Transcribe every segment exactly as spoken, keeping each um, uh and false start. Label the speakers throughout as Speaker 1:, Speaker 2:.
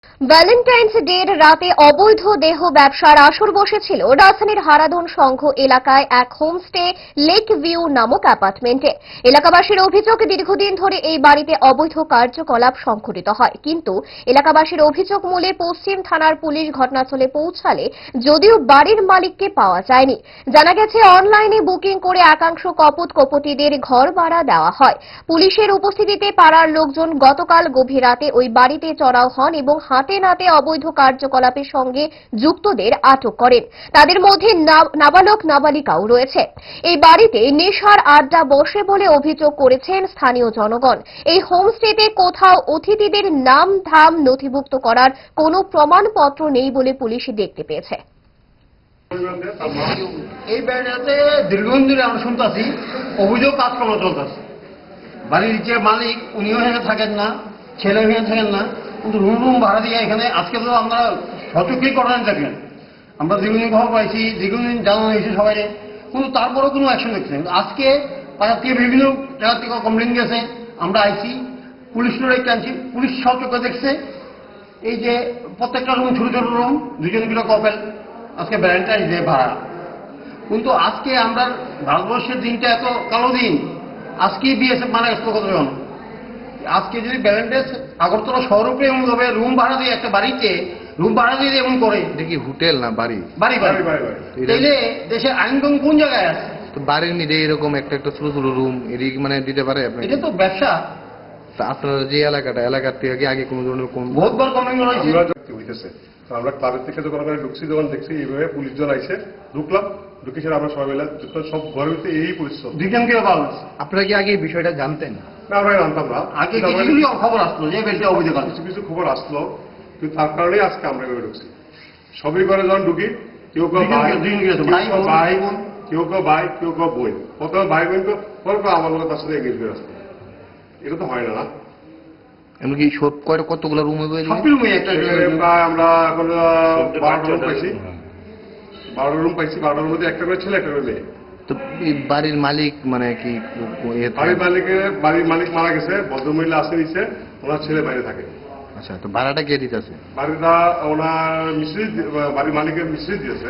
Speaker 1: Valentine's ডের রাতে অবৈধ দেহ ব্যবসার আসর বসেছিল রাজধানীর হারাধন সংঘ এলাকায় এক হোমস্টে লেক ভিউ নামক অ্যাপার্টমেন্টে। এলাকাবাসীর অভিযোগ, দীর্ঘদিন ধরে এই বাড়িতে অবৈধ কার্যকলাপ সংঘটিত হয়, কিন্তু এলাকাবাসীর অভিযোগ মূলে পশ্চিম থানার পুলিশ ঘটনাস্থলে পৌঁছালে যদিও বাড়ির মালিককে পাওয়া যায়নি। জানা গেছে, অনলাইনে বুকিং করে একাংশ কপট কপটিদের ঘর ভাড়া দেওয়া হয়। পুলিশের উপস্থিতিতে পাড়ার লোকজন গতকাল গভীর রাতে ওই বাড়িতে চড়াও হন এবং হাতে নাতে অবৈধ কার্যকলাপের সঙ্গে যুক্তদের আটক করেন। তাদের মধ্যে নাবালক নাবালিকাও রয়েছে। এই বাড়িতে নেশার আড্ডা বসে বলে অভিযোগ করেছেন স্থানীয় জনগণ। এই হোমস্টেতে কোথাও অতিথিদের নাম ধাম নথিভুক্ত করার কোনো প্রমাণপত্র নেই বলে পুলিশ দেখতে পেয়েছে।
Speaker 2: এই বাড়িতে দীর্ঘদিন ধরে আমরা শুনতেছি অভিযোগ কাজকর্ম চলতেছে। বাড়ির যে মালিক উনিও এখানে থাকেন না, ছেলেও এখানে থাকেন না, কিন্তু রুম রুম ভাড়া দিয়ে এখানে আজকে তো আমরা সচক্ষেই করেন থাকেন। আমরা দীর্ঘদিন খবর পাইছি, দীর্ঘদিন জানানো হয়েছে সবাই, কিন্তু তারপরেও কোনো অ্যাকশন দেখছে না। আজকে পাড়ার থেকে বিভিন্ন জায়গা থেকে কমপ্লেন গেছে, আমরা আইছি, পুলিশ লড়াই টানছি, পুলিশ সচক্ষে দেখছে। এই যে প্রত্যেকটা রুম ছোট ছোট রুম, দুজন কিলো কপেল, আজকে ভ্যালেন্টাইন্স ডে ভাড়া। কিন্তু আজকে আমরা ভারতবর্ষের দিনটা এত কালো দিন, আজকেই বিএসএফ মারা গেছে কতজন। আজকে যদি ভ্যালেন্টাইন্স আগরতলা শহরকে এমন ভাবে রুম ভাড়া দিয়ে একটা বাড়িতে রুম ভাড়া দিয়ে এমন করে,
Speaker 3: এটা কি হোটেল না বাড়ি?
Speaker 2: বাড়ি বাড়ি তাইলে দেশের আইনকানুন কোন জায়গায় আছে?
Speaker 3: তো বাড়ির নিচে এরকম একটা একটা ছোট ছোট রুম এদিকে মানে দিতে পারে আপনি?
Speaker 2: এটা তো ব্যবসা।
Speaker 3: আপনার যে এলাকাটা এলাকার থেকে আগে কোনো ধরনের কোন
Speaker 2: বহুতবার কমপ্লেন
Speaker 4: হইতেছে। আমরা ক্লাবের থেকে যখন আমরা ঢুকছি, যখন দেখছি এইভাবে পুলিশ জন আইসে, ঢুকলাম, ঢুকে সেটা আমরা সবাই মিলে সব ঘরের ভিতরে এই পরিশ্রম।
Speaker 2: দুজনকে পাওয়া।
Speaker 3: আপনারা কি আগে এই বিষয়টা জানতেন?
Speaker 4: না, আমরা জানতাম না।
Speaker 2: আগে কিছু খবর আসলো যে বেলটা অভিযোগ আছে,
Speaker 4: কিছু কিছু খবর আসলো, কিন্তু তার কারণেই আজকে আমরা এভাবে ঢুকছি। সবই ঘরে যখন ঢুকি, কেউ কেউ ভাই ভাই বোন, কেউ কেউ ভাই, কেউ কেউ বই, প্রথমে ভাই বোন পরে আমার লোক তার সাথে এগিয়ে করে আসতো। এটা তো হয় না।
Speaker 3: এমনকি সব কয়টা কতগুলো রুম হয়ে
Speaker 4: প্রায় আমরা এখন বারোটা রুম পাইছি, বারোটা রুম পাইছি বারোটার মধ্যে একটা করে ছেলে, একটা করে মেয়ে।
Speaker 3: তো বাড়ির মালিক মানে কি?
Speaker 4: বাড়ির মালিকের বাড়ির মালিক মারা গেছে, ভদ্রমহিলা আসে নিচ্ছে, ওনার ছেলে বাইরে থাকে।
Speaker 3: আচ্ছা, তো ভাড়াটা কে দিতেছে?
Speaker 4: বাড়িটা ওনার মিস্ত্রি, বাড়ির মালিকের মিস্ত্রি দিয়েছে।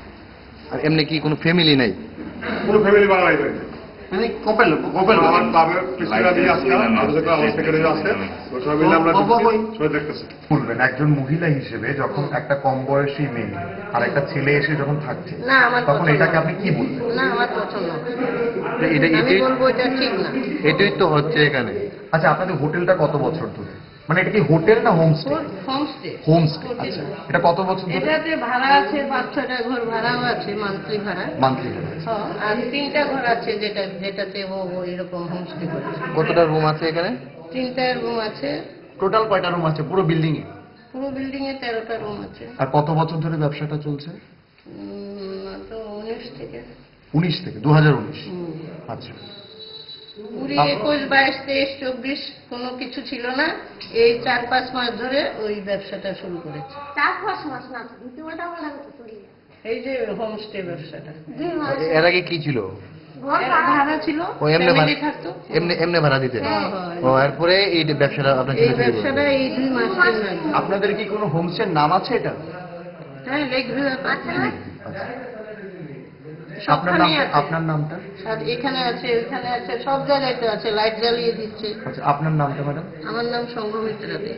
Speaker 3: আর এমনি কি কোনো ফ্যামিলি নাই?
Speaker 4: কোনো ফ্যামিলি ভাড়া নাই বাড়িতে।
Speaker 2: মানে কপেল কপেল
Speaker 4: আমার ক্লাবের প্রেসিডেন্ট আছে, আমার সেক্রেটারি আছে, সবাই মিলে আমরা সবাই দেখতেছি।
Speaker 5: বলবেন একজন মহিলা হিসেবে যখন একটা কম বয়সী মেয়ে আর একটা ছেলে এসে যখন থাকছে,
Speaker 6: না আমার
Speaker 5: তখন এটাকে আপনি কি বলবেন?
Speaker 6: না আমার পছন্দ না।
Speaker 3: এটা
Speaker 6: আমি বলবো এটা ঠিক না।
Speaker 3: এটাই তো হচ্ছে এখানে।
Speaker 5: আচ্ছা, আপনাদের হোটেলটা কত বছর ধরে? মানে এটা কি হোটেল না হোমস্টে?
Speaker 6: হোমস্টে।
Speaker 5: হোমস্টে। আচ্ছা, এটা কত বছর ধরে?
Speaker 6: এটাতে ভাড়া আছে, পাঁচ ছয়টা ঘর ভাড়াও আছে, মান্থলি ভাড়া।
Speaker 5: মান্থলি।
Speaker 6: হ্যাঁ, আর তিনটা ঘর আছে যেটা যেটাতে ও এরকম হোমস্টে করেছে।
Speaker 3: কতটা রুম আছে এখানে?
Speaker 6: তিনটা রুম আছে।
Speaker 5: টোটাল কয়টা রুম আছে পুরো বিল্ডিং এ?
Speaker 6: পুরো বিল্ডিং এ তেরোটা রুম আছে।
Speaker 5: আর কত বছর ধরে ব্যবসাটা চলছে?
Speaker 6: উম, তো উনিশ থেকে
Speaker 5: উনিশ থেকে দু হাজার উনিশ। আচ্ছা,
Speaker 6: কুড়ি একুশ বাইশ তেইশ চব্বিশ কোনো কিছু ছিল না। এই চার পাঁচ মাস ধরে ওই ব্যবসাটা শুরু করেছে।
Speaker 7: চার পাঁচ মাস না, দুটা বলা চলে যায়।
Speaker 6: এই যে হোমস্টে ব্যবসাটা
Speaker 7: দুই মাস
Speaker 3: এর আগে কি ছিল?
Speaker 7: ঘর
Speaker 6: এর ভাড়া ছিল,
Speaker 3: ও এমনি
Speaker 6: ফ্যামিলি থাকতো।
Speaker 3: এমনি এমনি ভাড়া দিতে?
Speaker 6: হ্যাঁ, হ্যাঁ।
Speaker 3: ও এরপরে এই ব্যবসাটা আপনার
Speaker 6: এই ব্যবসাটা এই দুই মাস তিন মাস।
Speaker 5: আপনাদের কি কোনো হোমস্টের নাম আছে এটা?
Speaker 6: হ্যাঁ, লেক ভিউ আছে না?
Speaker 5: আচ্ছা, আপনার নাম?
Speaker 6: সবখানেই আছে।
Speaker 5: আপনার নামটা?
Speaker 6: আর এখানে আছে, ওইখানে আছে, সব জায়গায় তো আছে, লাইট জ্বালিয়ে দিচ্ছে।
Speaker 5: আচ্ছা, আপনার নামটা ম্যাডাম?
Speaker 6: আমার নাম সংঘমিত্রা দে।